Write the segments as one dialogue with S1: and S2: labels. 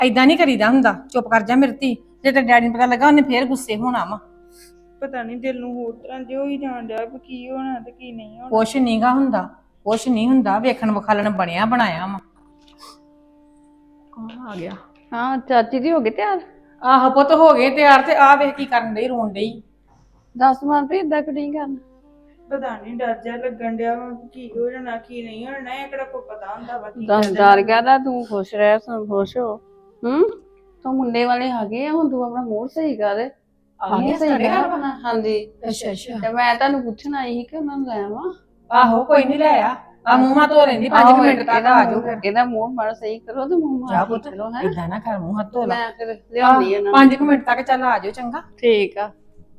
S1: ਐਦਾਂ ਨਹੀਂ ਕਰੀਦਾ ਹੁੰਦਾ। ਚੁੱਪ ਕਰ ਜਾ ਮੇਰੀ ਧੀ। ਜੇ ਤੇ ਡੈਡੀ ਨੂੰ ਪਤਾ ਲੱਗਾ ਉਹਨੇ ਫੇਰ ਗੁੱਸੇ ਹੋਣਾ ਵਾ।
S2: ਪਤਾ ਨਹੀਂ ਦਿਲ ਨੂੰ ਹੋਰ ਤਰ੍ਹਾਂ ਜਿਹਾ ਹੀ ਜਾਣ ਡਿਆ ਵੀ ਕੀ ਹੋਣਾ ਤੇ ਕੀ ਨਹੀਂ ਹੋਣਾ।
S1: ਕੁਛ ਨਹੀਂਗਾ ਹੁੰਦਾ, ਕੁਛ ਨਹੀਂ ਹੁੰਦਾ। ਵੇਖਣ ਵਿਖਾਲਣ ਬਣਿਆ ਬਣਾਇਆ ਵਾ। ਕੌਣ ਆ ਗਿਆ?
S3: ਹਾਂ ਚਾਚੀ ਜੀ ਹੋ ਗਏ ਤਿਆਰ?
S1: ਆਹੋ ਪੁੱਤ ਹੋ ਗਏ ਤਿਆਰ। ਤੇ ਆ ਵੇਖ ਕੀ ਕਰਨ ਡਈ, ਰੋਣ ਡਈ।
S3: ਦੱਸ ਮਨਪ੍ਰੀਤ ਇਦਾਂ ਕਿ ਨਹੀਂ ਕਰਨਾ।
S2: ਪਤਾ ਨਹੀਂ ਡਰ ਜਿਹਾ ਲੱਗਣ ਡਿਆ ਵਾ ਕੀ ਹੋ ਜਾਣਾ ਕੀ ਨਹੀਂ ਹੋਣਾ। ਇਹ ਕਿਹੜਾ ਕੋਈ ਪਤਾ ਹੁੰਦਾ ਵਾ ਕੀ
S3: ਦੱਸ
S2: ਕਹਿ
S3: ਡਰ
S2: ਦੇਣਾ।
S3: ਗਿਆ ਤਾਂ ਤੂੰ ਖੁਸ਼ ਰਹਿ, ਸਭ ਖੁਸ਼ ਹੋ। ਤੂੰ ਮੁੰਡੇ ਵਾਲੇ ਆ ਗਏ ਆ, ਹੁਣ ਤੂੰ ਆਪਣਾ ਮੂਡ ਸਹੀ ਕਰ।
S1: ਗਏ
S3: ਸਹੀ
S1: ਸਾਡੇ
S3: ਕਰ
S1: ਘਰ?
S3: ਆਪਣਾ। ਹਾਂਜੀ
S1: ਅੱਛਾ ਅੱਛਾ।
S3: ਤੇ ਮੈਂ ਤੁਹਾਨੂੰ ਪੁੱਛਣ ਆਈ ਸੀ ਕਿ ਉਹਨਾਂ ਨੂੰ ਲੈ ਆਵਾਂ।
S1: ਆਹੋ ਕੋਈ ਨਹੀਂ ਲੈ ਆ ਮੂੰਹ ਮਾ ਧੋ ਲੈਂਦੀ 5 ਮਿੰਟ ਤੱਕ ਆ ਜਾਓ ਫਿਰ।
S3: ਇਹਦਾ ਮੂੰਹ ਮਾੜਾ ਸਹੀ ਕਰੋ ਤੇ ਮੂੰਹ
S1: ਜਾ
S3: ਮਾੜਾ
S1: ਪੁੱਤ
S3: ਠੀਕ ਕਰੋ ਹੈ।
S1: ਏਦਾਂ ਨਾ ਕਰ, ਮੂੰਹ ਹੱਥ ਧੋ ਲੈ।
S3: ਮੈਂ ਫਿਰ ਲਿਆਉਂਦੀ ਇਹਨਾਂ ਨੂੰ।
S1: 5 ਮਿੰਟ ਤੱਕ ਚੱਲ ਆ ਜਾਓ ਚੰਗਾ।
S3: ਠੀਕ ਆ।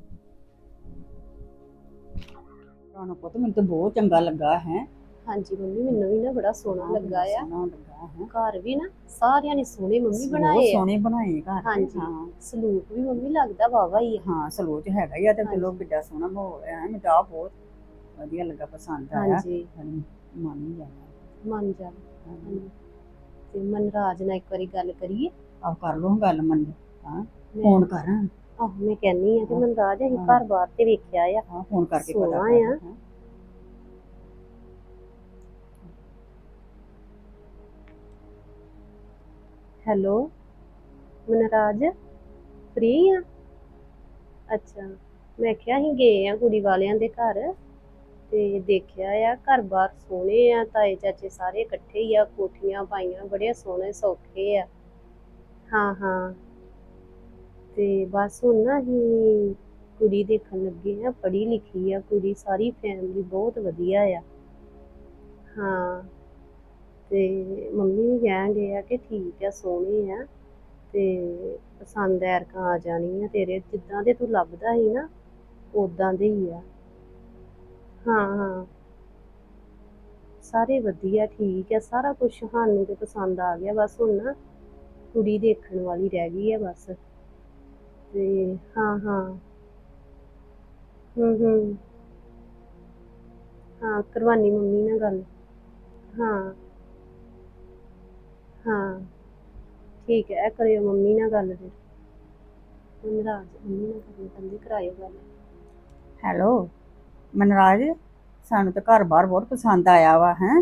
S4: ਰਾਣਾ ਪੁੱਤ ਮੈਨੂੰ ਤਾਂ ਬਹੁਤ ਚੰਗਾ ਲੱਗਾ ਹੈ।
S5: ਹਾਂਜੀ ਮੰਮੀ ਮੈਨੂੰ ਵੀ ਨਾ ਬੜਾ ਸੋਹਣਾ ਲੱਗਾ ਆ।
S4: ਸੋਹਣਾ ਲੱਗਾ ਹੈ।
S5: ਘਰ ਵੀ ਨਾ ਸਾਰਿਆਂ ਨੇ ਸੋਹਣੇ ਮੰਮੀ
S4: ਬਹੁਤ
S5: ਬਣਾਏ ਆ।
S4: ਸੋਹਣੇ ਬਣਾਏ ਘਰ।
S5: ਹਾਂਜੀ।
S4: ਹਾਂ
S5: ਸਲੂਕ ਵੀ ਮੰਮੀ ਲੱਗਦਾ ਵਾਵਾ ਹੀ ਆ।
S4: ਹਾਂ ਸਲੋਚ ਹੈਗਾ ਹੀ ਆ ਤੇ ਚਲੋ ਕਿੱਡਾ ਸੋਹਣਾ ਮਾਹੌਲ ਹੈ। ਮੈਨੂੰ ਤਾਂ ਆਹ ਬਹੁਤ ਵਧੀਆ ਲੱਗਾ, ਪਸੰਦ ਆਇਆ।
S5: ਹਾਂਜੀ
S4: ਮਨ ਨਹੀਂ ਜਾਣਾ।
S5: ਮੰਨ ਜਾ। ਹਾਂਜੀ। ਤੇ ਮਨਰਾਜ ਨਾਲ ਇੱਕ ਵਾਰੀ ਗੱਲ ਕਰੀਏ।
S4: ਆਪ ਕਰ ਲਓ ਗੱਲ ਮੰਨ। ਹਾਂ
S5: ਮੈਂ-
S4: ਫੋਨ ਕਰ।
S5: ਆਹੋ ਮੈਂ ਕਹਿੰਨੀ ਆ ਕਿ ਮਨਰਾਜ ਅਸੀਂ ਘਰ ਬਾਹਰ ਤੇ ਵੇਖਿਆ ਆ।
S4: ਹਾਂ ਫੋਨ ਕਰਕੇ ਪਤਾ
S5: ਸੋਹਣਾ
S4: ਕਰ।
S5: ਆ। ਹੈਲੋ ਮਨਰਾਜ ਫ੍ਰੀ ਆ? ਅੱਛਾ ਮੈਂ ਕਿਹਾ ਅਸੀਂ ਗਏ ਆ ਕੁੜੀ ਵਾਲਿਆਂ ਦੇ ਘਰ ਤੇ ਦੇਖਿਆ ਆ ਘਰ ਬਾਰ ਸੋਹਣੇ ਆ। ਤਾਏ ਚਾਚੇ ਸਾਰੇ ਇਕੱਠੇ ਹੀ ਆ, ਕੋਠੀਆਂ ਪਾਈਆਂ, ਬੜੇ ਸੋਹਣੇ ਸੌਖੇ ਆ। ਹਾਂ ਹਾਂ ਤੇ ਬਸ ਹੁਣ ਨਾ ਅਸੀਂ ਕੁੜੀ ਦੇਖਣ ਲੱਗੇ ਆ। ਪੜ੍ਹੀ ਲਿਖੀ ਆ ਕੁੜੀ, ਸਾਰੀ ਫੈਮਿਲੀ ਬਹੁਤ ਵਧੀਆ ਆ। ਹਾਂ ਤੇ ਮੰਮੀ ਵੀ ਕਹਿਣ ਡਏ ਆ ਕਿ ਠੀਕ ਆ, ਸੋਹਣੇ ਆ ਤੇ ਪਸੰਦ ਐਰਕਾਂ ਆ ਜਾਣੀ ਆ ਤੇਰੇ। ਜਿੱਦਾਂ ਦੇ ਤੂੰ ਲੱਭਦਾ ਸੀ ਨਾ ਉਦਾਂ ਦੇ ਹੀ ਆ। ਹਾਂ ਹਾਂ ਸਾਰੇ ਵਧੀਆ ਠੀਕ ਆ, ਸਾਰਾ ਕੁਝ ਸਾਨੂੰ ਤੇ ਪਸੰਦ ਆ ਗਿਆ। ਬਸ ਹੁਣ ਨਾ ਕੁੜੀ ਦੇਖਣ ਵਾਲੀ ਰਹਿ ਗਈ ਆ ਬਸ। ਤੇ ਹਾਂ ਹਾਂ ਹਾਂ ਕਰਵਾਨੀ ਮੰਮੀ ਨਾਲ ਗੱਲ। ਹਾਂ ਹਾਂ ਠੀਕ ਹੈ, ਇਹ ਕਰਿਓ ਮੰਮੀ ਨਾਲ ਗੱਲ। ਫਿਰ ਮਨਰਾਜ ਮੰਮੀ ਨਾਲ ਕਰਨੀ ਪੈਂਦੀ, ਕਰਾਇਓ ਗੱਲ।
S4: ਹੈਲੋ ਮਨਰਾਜ, ਸਾਨੂੰ ਤਾਂ ਘਰ ਬਾਰ ਬਹੁਤ ਪਸੰਦ ਆਇਆ ਵਾ ਹੈ।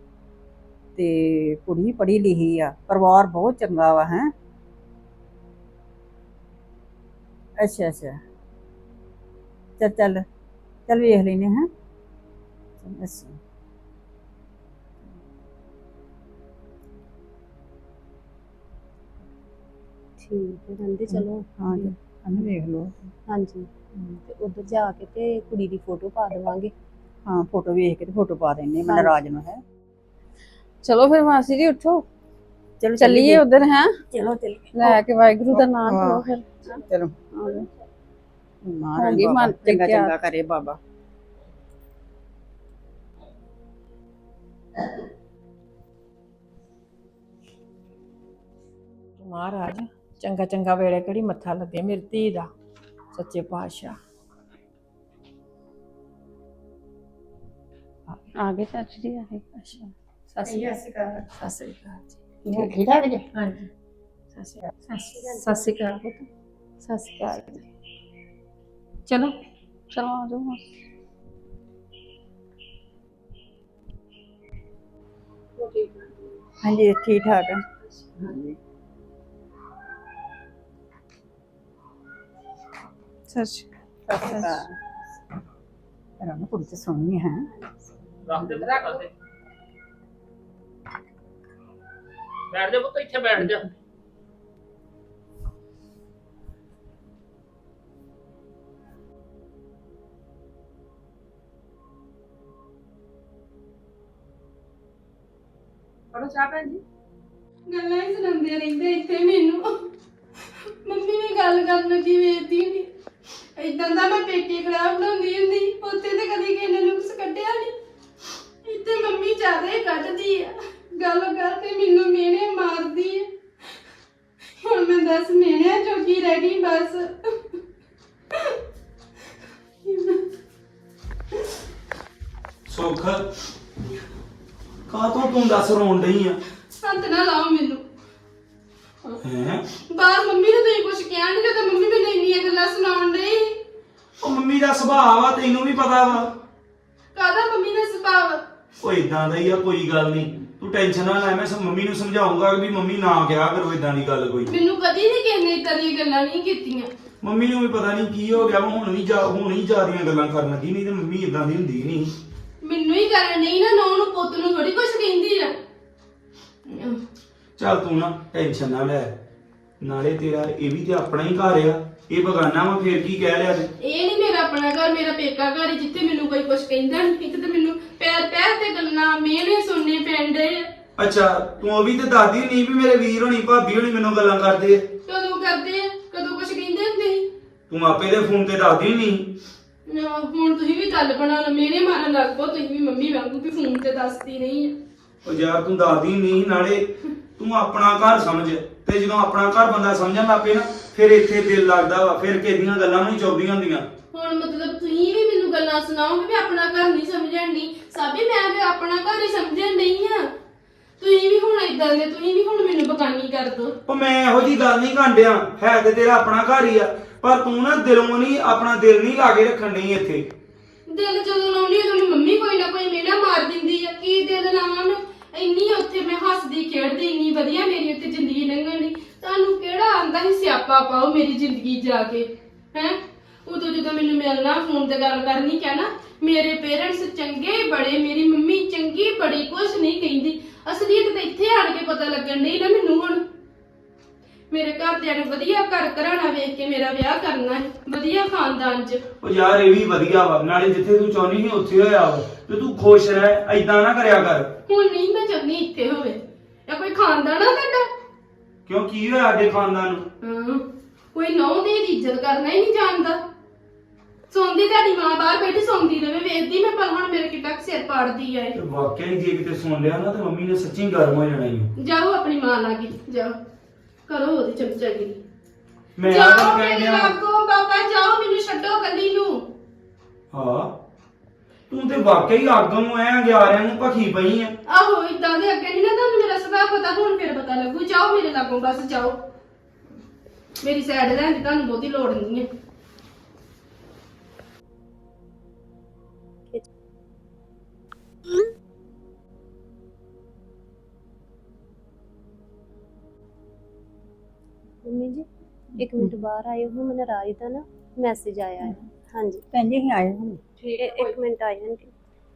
S4: ਤੇ ਕੁੜੀ ਪੜ੍ਹੀ ਲਿਖੀ ਆ, ਪਰਿਵਾਰ ਬਹੁਤ ਚੰਗਾ ਵਾ ਹੈ। ਅੱਛਾ ਅੱਛਾ ਚੱਲ ਚੱਲ ਚੱਲ ਵੇਖ ਲੈਨੇ ਹਾਂ। ਅੱਛਾ
S5: ਠੀਕ ਹੈ ਕਹਿੰਦੇ ਚਲੋ।
S4: ਹਾਂ ਜੀ ਹਮ ਵੇਖ ਲਓ।
S5: ਹਾਂਜੀ ਤੇ ਉਧਰ ਜਾ ਕੇ ਤੇ ਕੁੜੀ ਦੀ ਫੋਟੋ ਪਾ ਦੇਵਾਂਗੇ।
S4: ਹਾਂ ਫੋਟੋ ਵੇਖ ਕੇ ਤੇ ਫੋਟੋ ਪਾ ਦਿੰਨੇ ਮਨਰਾਜ ਨੂੰ ਹੈ।
S3: ਚਲੋ ਫਿਰ ਮਾਸੀ ਜੀ ਉੱਠੋ,
S4: ਚਲੋ
S3: ਚੱਲੀਏ ਉਧਰ ਹੈ।
S4: ਚਲੋ ਚੱਲੀਏ
S3: ਲੈ ਕੇ ਵਾਹਿਗੁਰੂ ਦਾ ਨਾਮ ਲਓ ਫਿਰ।
S4: ਚਲੋ
S3: ਆ ਜਾਓ।
S4: ਮਹਾਰਾਜ
S3: ਹੋਗੀ
S4: ਬਾਬਾ
S3: ਮਨਪ੍ਰੀਤ
S4: ਚੰਗਾ
S3: ਤਿਆਰ।
S4: ਚੰਗਾ ਕਰੇ ਬਾਬਾ।
S1: ਮਹਾਰਾਜ ਚੰਗਾ ਚੰਗਾ ਵੇਲੇ ਕਿਹੜੀ ਮੱਥਾ ਲੱਗੇ ਮੇਰੀ ਧੀ ਦਾ। ਸੱਚੇ ਪਾਤਸ਼ਾਹ।
S3: ਆ ਗਏ ਚਾਚੀ ਜੀ ਆ ਗਏ।
S1: ਅੱਛਾ ਸਤਿ ਸ਼੍ਰੀ ਅਕਾਲ। ਸਤਿ ਸ਼੍ਰੀ ਅਕਾਲ ਜੀ।
S4: ਠੀਕ ਠਾਕ ਜੀ।
S1: ਹਾਂਜੀ ਸਤਿ ਸ਼੍ਰੀ ਅਕਾਲ। ਸਤਿ ਸ਼੍ਰੀ ਅਕਾਲ ਪੁੱਤ। ਸਤਿ ਸ਼੍ਰੀ ਅਕਾਲ ਜੀ। ਚਲੋ
S3: ਚਲੋ ਆ ਜਾਓ ਮਾਸੀ।
S4: ਹਾਂਜੀ ਠੀਕ ਠਾਕ ਆ। ਹਾਂਜੀ
S3: ਸਤਿ ਸ਼੍ਰੀ ਅਕਾਲ।
S4: ਰਾਣਾ ਕੁੜੀ ਤੇ ਸੋਹਣੀ ਹੈ।
S6: ਰੱਖ ਦੇ ਬੈਠ ਜਾ ਪੁੱਤ, ਇੱਥੇ ਬੈਠ ਜਾ।
S1: ਪੜੋ ਚਾਹ ਭੈਣ ਜੀ।
S2: ਗੱਲਾਂ ਹੀ ਸੁਣਾਉਂਦੇ ਰਹਿੰਦੇ ਇੱਥੇ ਮੈਨੂੰ। ਮੰਮੀ ਨੇ ਗੱਲ ਕਰਨ ਲੱਗੀ ਵੇਖਦੀ ਨਹੀਂ। ਏਦਾਂ ਦਾ ਮੈਂ ਪੇਕੇ ਖਰਾਬ ਬਣਾਉਂਦੀ ਹੁੰਦੀ, ਉੱਥੇ ਤੇ ਕਦੀ ਕਿਸੇ ਨੇ ਨੁਕਸ ਕੱਢਿਆ ਨਹੀਂ। ਇੱਥੇ ਮੰਮੀ ਜ਼ਿਆਦਾ ਹੀ ਕੱਢਦੀ ਆ। ਗੱਲ ਕਰਕੇ ਮੈਨੂੰ ਮਿਹਣੇ ਮਾਰਦੀ ਆ। ਹੁਣ ਮੈਂ 10 ਮਿਹਣਿਆਂ ਚੋਕੀ ਰਹਿ ਗਈ ਬਸ।
S7: ਸੁੱਖ ਕਾਹ ਤੋਂ ਤੂੰ ਦੱਸ ਰੋਣ ਡਈ ਆ?
S2: ਹੱਥ ਨਾ ਲਾਓ ਮੈਨੂੰ।
S7: ਹੈ
S2: ਬਾਹਰ ਮੰਮੀ ਨੂੰ ਤੁਸੀਂ ਕੁਝ ਕਿਹਾ ਨਹੀਂ ਜਦੋਂ ਮੰਮੀ ਮੈਨੂੰ ਇੰਨੀਆਂ ਗੱਲਾਂ ਸੁਣਾਉਣ ਡਈ।
S7: ਉਹ ਮੰਮੀ ਦਾ ਸੁਭਾਅ ਵਾ ਤੈਨੂੰ ਵੀ ਪਤਾ ਵਾ।
S2: ਕਾਹਦਾ ਮੰਮੀ ਦਾ ਸੁਭਾਅ?
S7: ਉਹ ਇਦਾਂ ਦਾ ਹੀ ਆ, ਕੋਈ ਗੱਲ ਨਹੀਂ, ਤੂੰ ਟੈਨਸ਼ਨ ਨਾ ਲੈ। ਮੈਂ ਮੰਮੀ ਨੂੰ ਸਮਝਾਉਂਗਾ ਕਿ ਵੀ ਮੰਮੀ ਨਾ ਕਿਹਾ ਕਰੋ ਇਦਾਂ ਦੀ ਗੱਲ ਕੋਈ।
S2: ਮੈਨੂੰ ਕਦੀ ਨਹੀਂ ਕਿਸੇ ਨੇ ਏਦਾਂ ਦੀਆਂ ਗੱਲਾਂ ਨਹੀਂ ਕੀਤੀਆਂ।
S7: ਮੰਮੀ ਨੂੰ ਵੀ ਪਤਾ ਨਹੀਂ ਕੀ ਹੋ ਗਿਆ ਵਾ, ਹੁਣ ਹੀ ਜਾ ਰਹੀਆਂ ਗੱਲਾਂ ਕਰਨ ਲੱਗੀ, ਨਹੀਂ ਤੇ ਮੰਮੀ ਇਦਾਂ ਦੀ ਹੁੰਦੀ ਨਹੀਂ।
S2: ਮੈਨੂੰ ਹੀ ਕਰਨ ਨਹੀਂ ਨਾ, ਨੌ ਨੂੰ ਪੁੱਤ ਨੂੰ ਥੋੜੀ ਕੁਝ ਕਹਿੰਦੀ ਆ।
S7: ਚੱਲ ਤੂੰ ਨਾ ਟੈਨਸ਼ਨ ਨਾ ਲੈ, ਨਾਲੇ ਤੇਰਾ ਇਹ ਵੀ ਤੇ ਆਪਣਾ ਹੀ ਘਰ ਆ, ਇਹ ਬਗਾਨਾ ਵਾ, ਫੇਰ ਕੀ ਕਹਿ ਲਿਆ ਤੇ।
S2: ਇਹ ਨਹੀਂ ਮੇਰਾ ਆਪਣਾ ਘਰ, ਮੇਰਾ ਪੇਕਾ ਘਰ ਹੈ ਜਿੱਥੇ ਮੈਨੂੰ ਕੋਈ ਕੁਝ ਕਹਿੰਦਾ ਨਹੀਂ। ਇੱਕ ਤੇ ਮੈਨੂੰ ਪੈਰ ਪੈਰ ਤੇ ਗੱਲਾਂ ਮੇਲੇ ਸੁਣਨੇ ਪੈਂਦੇ।
S7: ਅੱਛਾ ਤੂੰ ਉਹ ਵੀ ਤੇ ਦੱਸਦੀ ਨਹੀਂ ਵੀ ਮੇਰੇ ਵੀਰ ਹੋਣੀ ਭਾਬੀ ਹੋਣੀ ਮੈਨੂੰ ਗੱਲਾਂ ਕਰਦੇ ਆ।
S2: ਕਦੋਂ ਕਰਦੇ ਆ, ਕਦੋਂ ਕੁਝ ਕਹਿੰਦੇ ਹੁੰਦੇ ਸੀ।
S7: ਤੂੰ ਆਪੇ ਦੇ ਫੋਨ ਤੇ ਦੱਸਦੀ ਨਹੀਂ।
S2: ਹੁਣ ਤੁਸੀਂ ਵੀ ਗੱਲ ਬਣਾ ਲਓ, ਮੇਰੇ ਮਾਰਨ ਲੱਗ ਪੋ ਤੁਸੀਂ ਵੀ ਮੰਮੀ ਵਾਂਗੂ ਵੀ ਫੋਨ ਤੇ ਦੱਸਦੀ ਨਹੀਂ ਆ।
S7: ਉਹ ਯਾਰ ਤੂੰ ਦੱਸਦੀ ਨਹੀਂ, ਨਾਲੇ ਤੂੰ ਆਪਣਾ ਘਰ ਸਮਝ, ਤੇ ਜਦੋਂ ਆਪਣਾ ਘਰ ਬੰਦਾ ਸਮਝਣ ਲੱਗ ਪਏ ਨਾ ਫਿਰ ਇੱਥੇ ਦਿਲ ਲੱਗਦਾ ਵਾ, ਫਿਰ ਕਿਹਦੀਆਂ ਗੱਲਾਂ ਨੂੰ ਚੁੱਭਦੀਆਂ ਹੁੰਦੀਆਂ।
S2: ਹੁਣ ਮਤਲਬ ਤੁਸੀਂ ਵੀ ਮੈਨੂੰ ਗੱਲਾਂ ਸੁਣਾਓਗੇ ਵੀ ਆਪਣਾ ਘਰ ਨਹੀਂ ਸਮਝਣ ਨਹੀਂ। ਸਾਬੀ ਮੈਂ ਤੇ ਆਪਣਾ ਘਰ ਹੀ ਸਮਝਣ ਨਹੀਂ ਆ। ਤੁਸੀਂ ਵੀ ਹੁਣ ਇਦਾਂ ਦੇ, ਤੁਸੀਂ ਵੀ ਹੁਣ ਮੈਨੂੰ ਬਗਾਨੀ ਕਰ ਦੋ।
S7: ਉਹ ਮੈਂ ਇਹੋ ਜੀ ਗੱਲ ਨਹੀਂ ਕਾਂਡਿਆ, ਹੈ ਤੇ ਤੇਰਾ ਆਪਣਾ ਘਰ ਹੀ ਆ, ਪਰ ਤੂੰ ਨਾ ਦਿਲੋਂ ਨਹੀਂ, ਆਪਣਾ ਦਿਲ ਨਹੀਂ ਲਾ ਕੇ ਰੱਖਣ ਨਹੀਂ ਇੱਥੇ।
S2: ਦਿਲ ਜਦੋਂ ਲਾਉਣੀ ਉਦੋਂ ਮੰਮੀ ਕੋਈ ਨਾ ਕੋਈ ਮੇਰਾ ਮਾਰ ਦਿੰਦੀ ਆ। ਕੀ ਦਿਲ ਲਾਵਾਂ ਮੈਂ? ਇੰਨੀ ਉੱਥੇ ਮੈਂ ਹੱਸਦੀ ਖੇਡਦੀ, ਇੰਨੀ ਵਧੀਆ ਮੇਰੀ ਉੱਥੇ ਜ਼ਿੰਦਗੀ ਲੰਘਣ ਦੀ। ਤੁਹਾਨੂੰ ਕਿਹੜਾ ਆਂਦਾ ਸੀ ਸਿਆਪਾ ਪਾਓ ਮੇਰੀ ਜ਼ਿੰਦਗੀ ਜਾ ਕੇ ਹੈ? ਉਦੋਂ ਜਦੋਂ ਮੈਨੂੰ ਮਿਲਣਾ, ਫੋਨ ਤੇ ਗੱਲ ਕਰਨੀ, ਕਹਿਣਾ ਮੇਰੇ ਪੇਰੈਂਟਸ ਚੰਗੇ ਬੜੇ, ਮੇਰੀ ਮੰਮੀ ਚੰਗੀ ਬੜੀ, ਕੁਛ ਨਹੀਂ ਕਹਿੰਦੀ। ਅਸਲੀਅਤ ਤਾਂ ਇੱਥੇ ਆਣ ਕੇ ਪਤਾ ਲੱਗਣ ਡਈ ਨਾ ਮੈਨੂੰ। ਹੁਣ ਮੇਰੇ ਘਰਦਿਆਂ ਨੇ ਵਧੀਆ ਘਰ ਘਰਾਣਾ ਵੇਖ ਕੇ ਮੇਰਾ ਵਿਆਹ ਕਰਨਾ ਹੈ, ਵਧੀਆ ਖਾਨਦਾਨ 'ਚ।
S7: ਉਹ ਯਾਰ ਇਹ ਵੀ ਵਧੀਆ ਵਾ, ਨਾਲੇ ਜਿੱਥੇ ਤੂੰ ਚਾਹੁੰਦੀ ਸੀ ਉੱਥੇ ਹੋਇਆ ਵਾ, ਤੇ ਤੂੰ ਖੁਸ਼ ਰਹਿ, ਐਦਾਂ ਨਾ ਕਰਿਆ ਕਰ।
S2: ਹੁਣ ਨਹੀਂ ਮੈਂ ਚਾਹੁੰਦੀ ਇੱਥੇ ਹੋਵੇ, ਜਾਂ ਕੋਈ ਖਾਨਦਾਨ ਆ ਤੁਹਾਡਾ?
S7: ਕਿਉਂ ਕੀ ਹੋਇਆ ਸਾਡੇ ਖਾਨਦਾਨ ਨੂੰ?
S2: ਹਾਂ, ਕੋਈ ਨੌਂ ਦੀ ਇੱਜ਼ਤ ਕਰਨਾ ਹੀ ਨਹੀਂ ਜਾਣਦਾ। ਸੌਂਦੀ ਤੁਹਾਡੀ ਮਾਂ ਬਾਹਰ ਬੈਠੀ ਸੌਂਦੀ ਰਵੇ, ਵੇਖਦੀ ਮੈਂ, ਪਰ ਹੁਣ ਮੇਰੇ ਕਿੱਡਾ ਸਿਰ ਪਾੜਦੀ ਆ।
S7: ਤੇ ਵਾਕਿਆ ਹੀ ਜੇ ਕਿਤੇ ਸੁਣ ਲਿਆ ਨਾ ਤੇ ਮੰਮੀ ਨੇ ਸੱਚੀ ਗਰਮ ਹੋ ਜਾਣਾ ਈ।
S2: ਜਾਓ ਆਪਣੀ ਮਾਂ ਲਾਗੇ, ਜਾਓ ਕਰੋ ਉਹਦੀ ਚਮਚਾਗਿਰੀ।
S7: ਮੈਂ ਆ
S2: ਜਾਓ
S7: ਗੱਲ
S2: ਮੇਰੇ
S7: ਕਹਿਣ ਡਿਆ।
S2: ਲਾਗੋਂ ਬਾਬਾ, ਜਾਓ, ਮੈਨੂੰ ਛੱਡੋ ਕੱਲੀ ਨੂੰ।
S7: ਹਾਂ ਤੂੰ ਤੇ ਵਾਕਿਆ ਹੀ ਆਗਮ ਐ, ਗਿਆਰਿਆਂ ਨੂੰ ਭਖੀ ਪਈ ਆ।
S2: ਆਹੋ ਇਦਾਂ ਦੇ ਅੱਗੇ ਨਹੀਂ ਨਾ ਤੁਹਾਨੂੰ ਮੇਰਾ ਸੁਭਾਅ ਪਤਾ, ਹੁਣ ਫਿਰ ਪਤਾ ਲੱਗੂ। ਜਾਓ ਮੇਰੇ ਲਾਗੋਂ, ਬਸ ਜਾਓ। ਮੇਰੀ ਸਾਈਡ ਲੈਣ ਦੀ ਤੁਹਾਨੂੰ ਬਹੁਤੀ ਲੋੜ ਨਹੀਂ ਹੈ।
S5: ਮੰਮੀ ਜੀ ਇੱਕ ਮਿੰਟ ਬਾਹਰ ਆਇਓ, ਹੁਣ ਮੈਨੂੰ ਰਾਜ ਦਾ ਨਾ ਮੈਸੇਜ ਆਇਆ ਹੈ। ਹਾਂਜੀ
S4: ਭੈਣ ਜੀ ਅਸੀਂ ਆਏ ਹੁਣ।
S5: ਇੱਕ ਮਿੰਟ ਆਇਆ ਆਂਟੀ।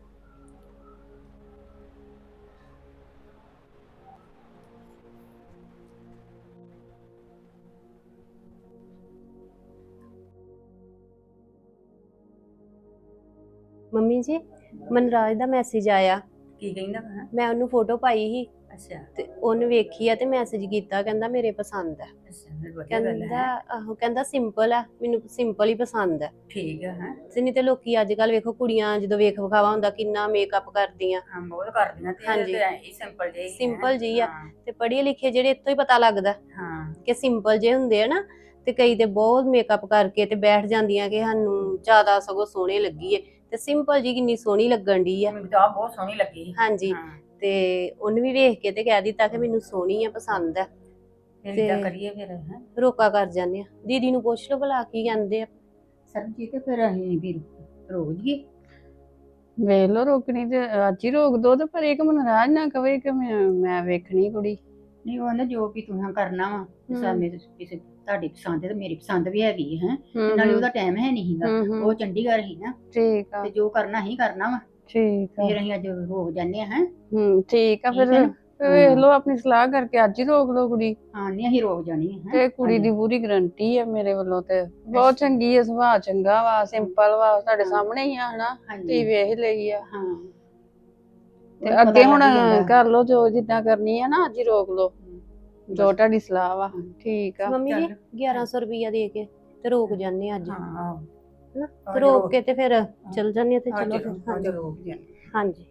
S5: ਮੰਮੀ ਜੀ ਮਨਰਾਜ ਦਾ ਮੈਸੇਜ ਆਇਆ।
S4: ਕੀ ਕਹਿੰਦਾ ਵਾ?
S5: ਮੈਂ ਉਹਨੂੰ ਫੋਟੋ ਪਾਈ ਸੀ
S4: ਅੱਛਾ
S5: ਤੇ ਉਹਨੇ ਵੇਖੀ ਆ ਤੇ ਮੈਸੇਜ ਕੀਤਾ, ਕਹਿੰਦਾ ਮੇਰੇ ਪਸੰਦ ਹੈ।
S4: ਅੱਛਾ ਫਿਰ ਵਧੀਆ ਗੱਲ
S5: ਕਹਿੰਦਾ
S4: ਹੈ।
S5: ਆਹੋ, ਕਹਿੰਦਾ ਸਿੰਪਲ ਆ, ਮੈਨੂੰ ਸਿੰਪਲ ਹੀ ਪਸੰਦ ਹੈ।
S4: ਠੀਕ ਹੈ
S5: ਨਹੀਂ ਤੇ ਲੋਕੀ ਅੱਜ ਕੱਲ ਵੇਖੋ ਕੁੜੀਆਂ ਜਦੋਂ ਵੇਖ ਵਿਖਾਵਾ ਹੁੰਦਾ ਕਿੰਨਾ ਮੇਕਅਪ ਕਰਦੀਆਂ।
S4: ਹਾਂ ਬਹੁਤ ਕਰਦੀਆਂ ਤੇ
S5: ਹਾਂਜੀ।
S4: ਇਹ ਸਿੰਪਲ ਜਿਹੀ ਹੈ।
S5: ਸਿੰਪਲ ਜਿਹੀ ਆ।
S4: ਹਾਂ,
S5: ਤੇ ਪੜ੍ਹੇ ਲਿਖੇ ਜਿਹੜੇ ਇੱਥੋਂ ਹੀ ਪਤਾ ਲੱਗਦਾ
S4: ਹਾਂ
S5: ਕਿ ਸਿੰਪਲ ਜੇ ਹੁੰਦੇ ਆ ਨਾ, ਤੇ ਕਈ ਤੇ ਬਹੁਤ ਮੇਕਅਪ ਕਰਕੇ ਤੇ ਬੈਠ ਜਾਂਦੀਆਂ ਕਿ ਸਾਨੂੰ ਜ਼ਿਆਦਾ ਸਗੋਂ ਸੋਹਣੇ ਲੱਗੀਏ, ਤੇ ਸਿੰਪਲ ਜੀ ਕਿੰਨੀ ਸੋਹਣੀ ਲੱਗਣ ਦੀ ਆ।
S4: ਮੈਨੂੰ ਤਾਂ ਆਪ ਬਹੁਤ ਸੋਹਣੀ ਲੱਗੀ।
S5: ਹਾਂਜੀ
S4: ਹਾਂ
S5: ਤੇ ਉਹਨੇ ਵੀ ਵੇਖ ਕੇ ਤੇ ਕਹਿ ਦਿੱਤਾ ਕਿ ਮੈਨੂੰ ਸੋਹਣੀ ਆ, ਪਸੰਦ ਆ।
S4: ਫਿਰ
S5: ਤੇ-
S4: ਇਦਾਂ ਕਰੀਏ ਫਿਰ ਹੈ
S5: ਰੋਕਾ ਕਰ ਜਾਂਦੇ ਆ। ਦੀਦੀ ਨੂੰ ਪੁੱਛ ਲਓ ਭਲਾ ਕੀ ਕਹਿੰਦੇ ਆ।
S4: ਸਰਬਜੀਤ, ਤੇ ਫਿਰ ਅਸੀਂ ਵੀ ਰੋਕ ਜੀਏ।
S3: ਵੇਖ ਲੋ ਰੋਕਣੀ ਤੇ ਅੱਜ ਹੀ ਰੋਕ ਦੋ, ਤੇ ਪਰ ਇੱਕ ਮਨਰਾਜ ਨਾ ਕਵੇ ਕਿ ਮੈਂ ਵੇਖਣੀ ਕੁੜੀ।
S4: ਨਹੀਂ ਉਹ ਨਾ ਜੋ ਵੀ ਤੁਸੀਂ ਕਰਨਾ ਵਾ
S3: ਹਮ।
S4: ਸਾਹਮਣੇ ਕਿਸੇ ਤੁਹਾਡੀ ਪਸੰਦ ਹੈ ਤੇ ਮੇਰੀ ਪਸੰਦ ਵੀ ਹੈਗੀ ਹੈ
S3: ਹਮ,
S4: ਨਾਲੇ
S3: ਹਮ।
S4: ਉਹਦਾ ਟਾਈਮ ਹੈ ਨਹੀਂ ਸੀਗਾ।
S3: ਹਮ, ਹਮ।
S4: ਉਹ ਚੰਡੀਗੜ੍ਹ ਹੀ ਨਾ,
S3: ਠੀਕ ਆ
S4: ਤੇ ਜੋ ਕਰਨਾ ਹੀ ਕਰਨਾ ਵਾ।
S3: ਠੀਕ ਆ
S4: ਫਿਰ ਅਸੀਂ ਅੱਜ ਰੋਕ ਜਾਂਦੇ ਆ ਹੈ।
S3: ਠੀਕ ਆ
S4: ਠੀਕ
S3: ਫਿਰ
S4: ਹੈ ਨਾ?
S3: ਫਿਰ ਵੇਖ ਲੋ ਆਪਣੀ ਸਲਾਹ ਕਰਕੇ ਅੱਜ ਹੀ ਰੋਕ ਲੋ ਕੁੜੀ।
S4: ਹਾਂ ਨਹੀਂ ਅਸੀਂ ਰੋਕ ਜਾਣੀ ਹੈ
S3: ਤੇ ਕੁੜੀ ਦੀ ਪੂਰੀ ਗਰੰਟੀ ਆ ਮੇਰੇ ਵੱਲੋਂ, ਤੇ ਬਹੁਤ ਚੰਗੀ ਆ, ਸੁਭਾਅ ਚੰਗਾ ਵਾ, ਸਿੰਪਲ ਵਾ, ਤੁਹਾਡੇ ਸਾਹਮਣੇ ਹੀ ਆ ਹਨਾ, ਤੀ ਵੇਖ ਲਈ ਆ।
S4: ਹਾਂ
S3: ਤੇ ਅੱਗੇ ਹੁਣ ਕਰ ਲੋ ਜੋ ਜਿੱਦਾਂ ਕਰਨੀ ਆ ਨਾ, ਅੱਜ ਹੀ ਰੋਕ ਲੋ ਜੋ ਤੁਹਾਡੀ ਸਲਾਹ ਵਾ। ਠੀਕ ਆ
S5: ਮੰਮੀ ਜੀ
S4: ਚੱਲ।
S5: 1100 ਰੁਪਈਆ ਦੇ ਕੇ ਤੇ ਰੋਕ ਜਾਂਦੇ ਆ ਅੱਜ,
S4: ਹਾਂ
S5: ਹਨਾ? ਤੇ ਰੋਕ ਕੇ ਤੇ ਫਿਰ ਚਲ ਜਾਂਦੇ ਆ। ਤੇ ਚਲੋ ਫਿਰ
S4: ਅੱਜ ਰੋਕ ਜਾਂਦੇ।
S5: ਹਾਂਜੀ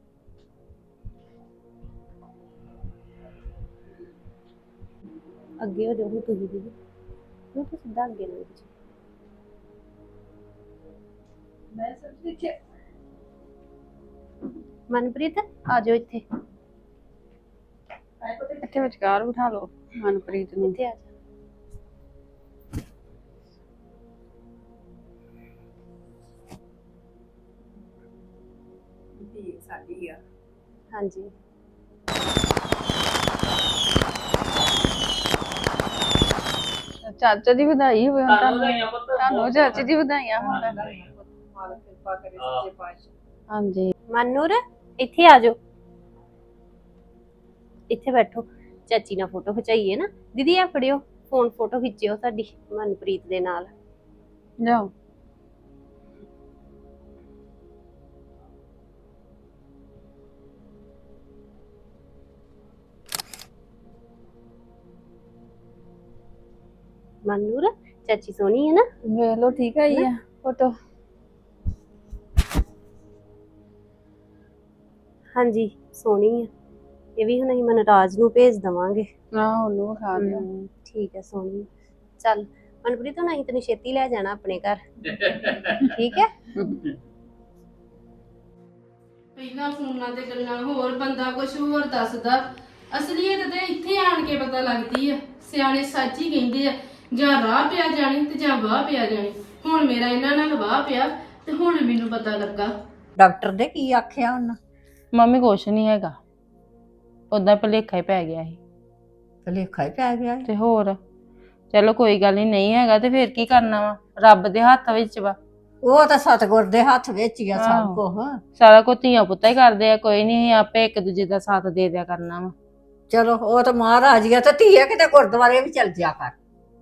S5: ਅੱਗੇ ਹੋ ਜਾਓ ਹੁਣ ਤੁਸੀਂ ਦੀਦੀ, ਨੂੰ ਤਾਂ ਸਿੱਧਾ ਅੱਗੇ ਲੰਘ ਜਾਓ।
S4: ਮੈਂ ਸਭ ਦੇਖਿਆ।
S5: ਮਨਪ੍ਰੀਤ ਆ ਜਾਓ ਇੱਥੇ।
S3: ਇੱਥੇ ਵਿਚਕਾਰ ਬਿਠਾ ਲਓ ਮਨਪ੍ਰੀਤ ਨੂੰ।
S5: ਇੱਥੇ ਆ ਜਾ।
S4: ਧੀ ਸਾਡੀ ਆ।
S5: ਹਾਂਜੀ
S3: ਚਾਚਾ ਦੀ ਵਧਾਈ ਹੋਵੇ ਹੁਣ
S6: ਤੁਹਾਨੂੰ
S3: ਤੁਹਾਨੂੰ।
S6: ਵਧਾਈਆਂ ਪੁੱਤ।
S3: ਤੁਹਾਨੂੰ ਚਾਚੇ ਦੀ ਵਧਾਈਆਂ ਹੁਣ ਤਾਂ।
S4: ਮਾਲਕ ਕਿਰਪਾ ਕਰੇ ਸੱਚੇ ਪਾਤਸ਼ਾਹ।
S3: ਹਾਂਜੀ
S5: ਮਨੂਰ ਇੱਥੇ ਆ ਜਾਓ, ਇੱਥੇ ਬੈਠੋ। ਚਾਚੀ ਨਾਲ ਫੋਟੋ ਖਿਚਾਈਏ ਨਾ। ਦੀਦੀ ਆ ਫੜਿਓ ਫੋਨ, ਫੋਟੋ ਖਿੱਚਿਓ ਸਾਡੀ ਮਨਪ੍ਰੀਤ ਦੇ ਨਾਲ।
S3: ਜਾਓ।
S5: ਮਨੂਰ ਚਾਚੀ ਸੋਹਣੀ ਹੈ ਨਾ?
S3: ਵੇਖ ਲਓ ਠੀਕ ਆਈ ਆ ਫੋਟੋ।
S5: ਹਾਂਜੀ ਸੋਹਣੀ ਆ। ਇਹ ਵੀ ਹੁਣ ਅਸੀਂ ਮਨਰਾਜ ਨੂੰ ਭੇਜ ਦਵਾਂਗੇ।
S3: ਨਾ ਉਹਨੂੰ ਵਿਖਾ ਦਿਓ।
S5: ਠੀਕ ਹੈ ਸੋਹਣੀ। ਚੱਲ ਮਨਪ੍ਰੀਤ ਹੁਣ ਅਸੀਂ ਤੈਨੂੰ ਛੇਤੀ ਲੈ ਜਾਣਾ ਆਪਣੇ ਘਰ, ਠੀਕ ਹੈ?
S2: ਪਹਿਲਾਂ ਫੋਨਾਂ ਤੇ ਗੱਲਾਂ ਹੋਰ, ਬੰਦਾ ਕੁਝ ਹੋਰ ਦੱਸਦਾ। ਅਸਲੀਅਤ ਤੇ ਇੱਥੇ ਆਣ ਕੇ ਪਤਾ ਲੱਗਦੀ ਆ। ਸਿਆਣੇ ਸੱਚ ਹੀ ਕਹਿੰਦੇ ਆ, ਜਾਂ ਰਾਹ ਪਿਆ ਜਾਣੀ ਤੇ ਜਾਂ ਵਾਹ ਪਿਆ ਜਾਣੀ। ਹੁਣ ਮੇਰਾ ਇਹਨਾਂ ਨਾਲ ਵਾਹ ਪਿਆ ਤੇ ਹੁਣ ਮੈਨੂੰ ਪਤਾ ਲੱਗਾ।
S4: ਡਾਕਟਰ ਦੇ ਕੀ ਆਖਿਆ ਉਹਨਾਂ?
S3: ਮੰਮੀ ਕੁਛ ਨਹੀਂ ਹੈਗਾ, ਉਦਾਂ ਭੁਲੇਖਾ ਹੀ ਪੈ ਗਿਆ ਸੀ।
S4: ਭੁਲੇਖਾ ਹੀ ਪੈ ਗਿਆ।
S3: ਤੇ ਹੋਰ ਚਲੋ ਕੋਈ ਗੱਲ ਨਹੀਂ ਹੈਗਾ ਤੇ ਫਿਰ ਕੀ ਕਰਨਾ ਵਾ, ਰੱਬ ਦੇ ਹੱਥ ਵਿੱਚ ਵਾ।
S4: ਉਹ ਤਾਂ ਸਤਿਗੁਰ ਦੇ ਹੱਥ ਵਿੱਚ ਹੀ ਆ ਸਭ
S3: ਆਹੋ।
S4: ਕੁਝ।
S3: ਸਾਰਾ ਕੁਝ ਧੀਆਂ ਪੁੱਤਾਂ ਹੀ ਕਰਦੇ ਆ, ਕੋਈ ਨਹੀਂ ਆਪੇ ਇੱਕ ਦੂਜੇ ਦਾ ਸਾਥ ਦੇ ਦਿਆ ਕਰਨਾ ਵਾ।
S4: ਚਲੋ ਉਹ ਤਾਂ ਮਹਾਰਾਜ ਹੀ ਆ। ਤੇ ਧੀਏ ਕਿਤੇ ਗੁਰਦੁਆਰੇ ਵੀ ਚਲ ਜਾ ਕਰ,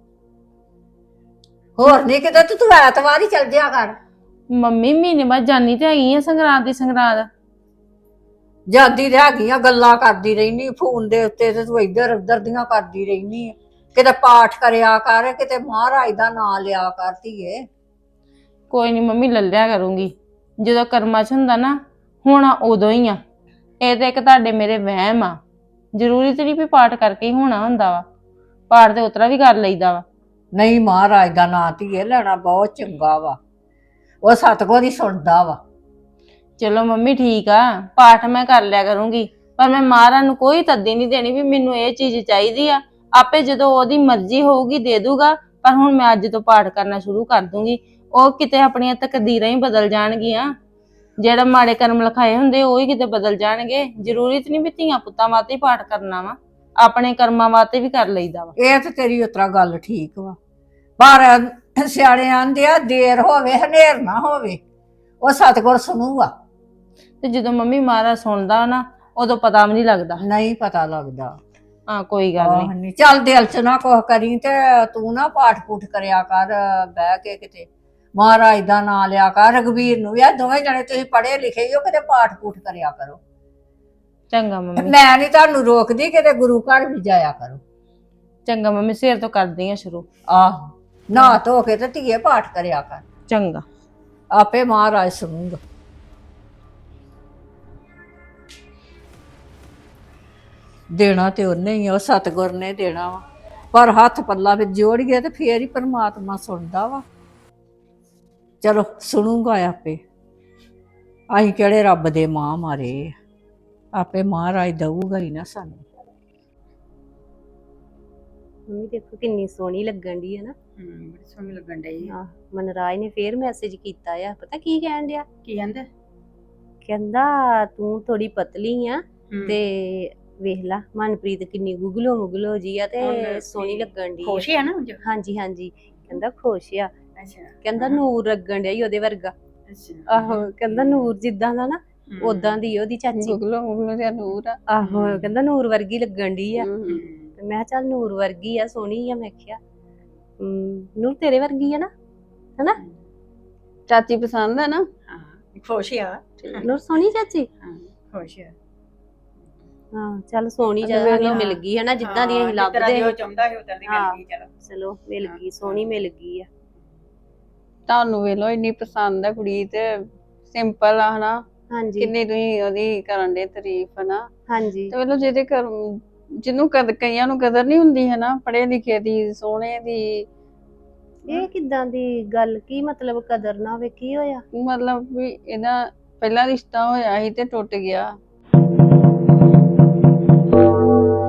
S4: ਹੋਰ ਨਹੀਂ ਕਿਤੇ ਤੂੰ ਐਤਵਾਰ ਹੀ ਚਲ ਜਾ ਕਰ।
S3: ਮੰਮੀ ਮਹੀਨੇ ਬਾਅਦ ਜਾਨੀ ਤੇ ਹੈਗੀ ਆ ਸੰਗਰਾਂਦ ਦੀ ਸੰਗਰਾਂਦ।
S4: ਜਾਂਦੀ ਤੇ ਹੈਗੀਆਂ ਗੱਲਾਂ ਕਰਦੀ ਰਹਿਨੀ ਫੋਨ ਦੇ ਉੱਤੇ, ਤੇ ਤੂੰ ਇੱਧਰ ਉੱਧਰ ਦੀਆਂ ਕਰਦੀ ਰਹਿਨੀ ਆ। ਕਿਤੇ ਪਾਠ ਕਰਿਆ ਕਰ, ਕਿਤੇ ਮਹਾਰਾਜ ਦਾ ਨਾਮ ਲਿਆ ਕਰ ਧੀਏ।
S3: ਕੋਈ ਨਹੀਂ ਮੰਮੀ ਲੱਲਿਆ ਕਰੂੰਗੀ, ਜਦੋਂ ਕਰਮਾਂ 'ਚ ਹੁੰਦਾ ਨਾ ਹੋਣਾ ਉਦੋਂ ਹੀ ਆ। ਇਹ ਤਾਂ ਇੱਕ ਤੁਹਾਡੇ ਮੇਰੇ ਵਹਿਮ ਆ, ਜ਼ਰੂਰੀ ਤੇ ਨਹੀਂ ਵੀ ਪਾਠ ਕਰਕੇ ਹੀ ਹੋਣਾ ਹੁੰਦਾ ਵਾ। ਪਾਠ ਤੇ ਉਤਰਾ ਵੀ ਕਰ ਲਈਦਾ ਵਾ।
S4: ਨਹੀਂ, ਮਹਾਰਾਜ ਦਾ ਨਾਂ ਧੀਏ ਲੈਣਾ ਬਹੁਤ ਚੰਗਾ ਵਾ, ਉਹ ਸਤਿਗੁਰ ਹੀ ਸੁਣਦਾ ਵਾ।
S3: ਚਲੋ ਮੰਮੀ ਠੀਕ ਆ, ਪਾਠ ਮੈਂ ਕਰ ਲਿਆ ਕਰੂੰਗੀ, ਪਰ ਮੈਂ ਮਹਾਰਾਜ ਨੂੰ ਕੋਈ ਤੱਦੀ ਨਹੀਂ ਦੇਣੀ ਵੀ ਮੈਨੂੰ ਇਹ ਚੀਜ਼ ਚਾਹੀਦੀ ਆ। ਆਪੇ ਜਦੋਂ ਉਹਦੀ ਮਰਜ਼ੀ ਹੋਊਗੀ ਦੇ ਦੂਗਾ, ਪਰ ਹੁਣ ਮੈਂ ਅੱਜ ਤੋਂ ਪਾਠ ਕਰਨਾ ਸ਼ੁਰੂ ਕਰ ਦੂੰਗੀ। ਉਹ ਕਿਤੇ ਆਪਣੀਆਂ ਤਕਦੀਰਾਂ ਹੀ ਬਦਲ ਜਾਣਗੀਆਂ, ਜਿਹੜਾ ਮਾੜੇ ਕਰਮ ਲਿਖਾਏ ਹੁੰਦੇ ਉਹ ਹੀ ਕਿਤੇ ਬਦਲ ਜਾਣਗੇ। ਜ਼ਰੂਰੀ ਤੇ ਨਹੀਂ ਵੀ ਧੀਆਂ ਪੁੱਤਾਂ ਵਾਸਤੇ ਹੀ ਪਾਠ ਕਰਨਾ ਵਾ, ਆਪਣੇ ਕਰਮਾਂ ਵਾਸਤੇ ਵੀ ਕਰ ਲਈਦਾ ਵਾ।
S4: ਇਹ ਤੇ ਤੇਰੀ ਉਤਰਾ ਗੱਲ ਠੀਕ ਵਾ, ਪਰ ਸਿਆਣੇ ਆਂਦੇ ਆ ਦੇਰ ਹੋਵੇ ਹਨੇਰ ਨਾ ਹੋਵੇ, ਉਹ ਸਤਿਗੁਰ ਸੁਣੂਗਾ।
S3: ਤੇ ਜਦੋਂ ਮੰਮੀ ਮਹਾਰਾਜ ਸੁਣਦਾ ਨਾ ਉਦੋਂ ਪਤਾ ਵੀ ਨਹੀਂ ਲੱਗਦਾ।
S4: ਨਹੀਂ ਪਤਾ ਲੱਗਦਾ।
S3: ਹਾਂ ਕੋਈ ਗੱਲ ਨਹੀਂ।
S4: ਨਹੀਂ ਚੱਲ ਦਿਲ ਚ ਨਾ ਕੁਛ ਕਰੀ, ਤੇ ਤੂੰ ਨਾ ਪਾਠ ਪੂਠ ਕਰਿਆ ਕਰ ਬਹਿ ਕੇ, ਕਿਤੇ ਮਹਾਰਾਜ ਦਾ ਨਾਮ ਲਿਆ ਕਰ। ਰਘਵੀਰ ਨੂੰ ਵੀ ਆ, ਦੋਵੇਂ ਜਣੇ ਤੁਸੀਂ ਪੜ੍ਹੇ ਲਿਖੇ ਹੀ ਹੋ, ਕਿਤੇ ਪਾਠ ਪੂਠ ਕਰਿਆ ਕਰੋ।
S3: ਚੰਗਾ ਮੰਮੀ।
S4: ਮੈਂ ਨਹੀਂ ਤੁਹਾਨੂੰ ਰੋਕਦੀ, ਕਿਤੇ ਗੁਰੂ ਘਰ ਵੀ ਜਾਇਆ ਕਰੋ।
S3: ਚੰਗਾ ਮੰਮੀ, ਸਵੇਰ ਤੋਂ ਕਰਦੀ ਆ ਸ਼ੁਰੂ।
S4: ਆਹੋ, ਨਹਾ ਧੋ ਕੇ ਤੇ ਧੀਏ ਪਾਠ ਕਰਿਆ ਕਰ,
S3: ਚੰਗਾ।
S4: ਆਪੇ ਮਹਾਰਾਜ ਸੁਣੂਗਾ। ਦੇਣਾ ਤੇ ਉਹਨੇ ਹੀ ਆ, ਉਹ ਸਤਿਗੁਰ ਨੇ ਦੇਣਾ ਵਾ, ਪਰ ਹੱਥ ਪੱਲਾ ਵਿੱਚ ਜੋੜੀਏ ਤੇ ਫੇਰ ਹੀ ਪਰਮਾਤਮਾ ਸੁਣਦਾ ਵਾ। ਚਲੋ ਸੁਣੂਗਾ ਆਪੇ, ਅਸੀਂ ਕਿਹੜੇ ਰੱਬ ਦੇ ਮਾਂ ਮਾਰੇ, ਆਪੇ ਮਹਾਰਾਜ ਦਊਗਾ ਹੀ ਨਾ ਸਾਨੂੰ।
S5: ਮੰਮੀ ਦੇਖੋ ਕਿੰਨੀ ਸੋਹਣੀ ਲੱਗਣ ਦੀ ਹੈ ਨਾ।
S4: ਬੜੀ ਸੋਹਣੀ ਲੱਗਣ ਡਈ।
S5: ਆਹ ਮਨਰਾਜ ਨੇ ਫੇਰ ਮੈਸੇਜ ਕੀਤਾ ਆ, ਪਤਾ ਕੀ ਕਹਿਣ ਡਿਆ?
S4: ਕੀ ਕਹਿੰਦੇ?
S5: ਕਹਿੰਦਾ ਤੂੰ ਥੋੜੀ ਪਤਲੀ ਆ ਤੇ ਵੇਖ ਲਾ ਮਨਪ੍ਰੀਤ ਕਿੰਨੀ ਗੁਗਲੋ ਮੁਗਲੋ ਜੀ ਆ ਤੇ ਸੋਹਣੀ ਲੱਗਣ ਦੀ।
S4: ਖੁਸ਼ ਆ ਨਾ?
S5: ਹਾਂਜੀ ਹਾਂਜੀ, ਕਹਿੰਦਾ ਖੁਸ਼ ਆ।
S4: ਅੱਛਾ।
S5: ਕਹਿੰਦਾ ਨੂਰ ਲੱਗਣ ਡਿਆ ਈ ਉਹਦੇ ਵਰਗਾ।
S4: ਅੱਛਾ।
S5: ਆਹੋ, ਕਹਿੰਦਾ ਨੂਰ ਜਿੱਦਾਂ ਦਾ ਨਾ ਉਦਾਂ ਦੀ ਉਹਦੀ ਚਾਚੀ।
S3: ਗੁਗਲੋ ਮੁਗਲੋ ਤੇ ਨੂਰ ਆ।
S5: ਆਹੋ, ਕਹਿੰਦਾ ਨੂਰ ਵਰਗੀ ਲੱਗਣ ਡਈ ਆ। ਤੇ ਮੈਂ ਕਿਹਾ ਚੱਲ ਨੂਰ ਵਰਗੀ ਆ, ਸੋਹਣੀ ਆ। ਮੈਂ ਕਿਹਾ ਨੂਰ ਤੇਰੇ ਵਰਗੀ ਆ ਨਾ, ਹਨਾ?
S3: ਚਾਚੀ ਪਸੰਦ ਆ ਨਾ?
S4: ਹਾਂ, ਖੁਸ਼ ਆ।
S5: ਨੂਰ ਸੋਹਣੀ ਚਾਚੀ?
S4: ਹਾਂ, ਖੁਸ਼ ਆ।
S5: ਹਾਂ ਚੱਲ ਸੋਹਣੀ ਜਦੋਂ ਮਿਲ ਗਈ ਹੈ ਨਾ, ਜਿੱਦਾਂ ਦੀ ਅਸੀਂ ਲੱਭਦੇ
S4: ਉਹ ਚਾਹੁੰਦਾ ਸੀ ਉਦਾਂ ਦੀ ਮਿਲ ਗਈ। ਚਲੋ
S5: ਚਲੋ ਮਿਲ ਗਈ, ਸੋਹਣੀ ਮਿਲ ਗਈ ਆ।
S3: ਤੁਹਾਨੂੰ ਵੇਖ ਲੋ ਇੰਨੀ ਪਸੰਦ ਆ ਕੁੜੀ, ਤੇ ਸਿੰਪਲ ਆ ਹਨਾ।
S5: ਹਾਂਜੀ
S3: ਕਿੰਨੀ ਤੁਸੀਂ ਉਹਦੀ ਕਰਨ ਦੇ ਤਾਰੀਫ ਹਨਾ।
S5: ਹਾਂਜੀ
S3: ਤੇ ਵੇਖ ਲੋ ਜਿਹਦੇ ਘਰ ਜਿਹਨੂੰ ਕਈਆਂ ਨੂੰ ਕਦਰ ਨਹੀਂ ਹੁੰਦੀ ਹੈ ਨਾ, ਪੜ੍ਹੇ ਲਿਖੇ ਦੀ, ਸੋਹਣੇ ਦੀ।
S5: ਇਹ ਕਿੱਦਾਂ ਦੀ ਗੱਲ? ਕੀ ਮਤਲਬ ਕਦਰ ਨਾ ਹੋਵੇ? ਕੀ ਹੋਇਆ?
S3: ਮਤਲਬ ਵੀ ਇਹਦਾ ਪਹਿਲਾ ਰਿਸ਼ਤਾ ਹੋਇਆ ਸੀ ਤੇ ਟੁੱਟ ਗਿਆ।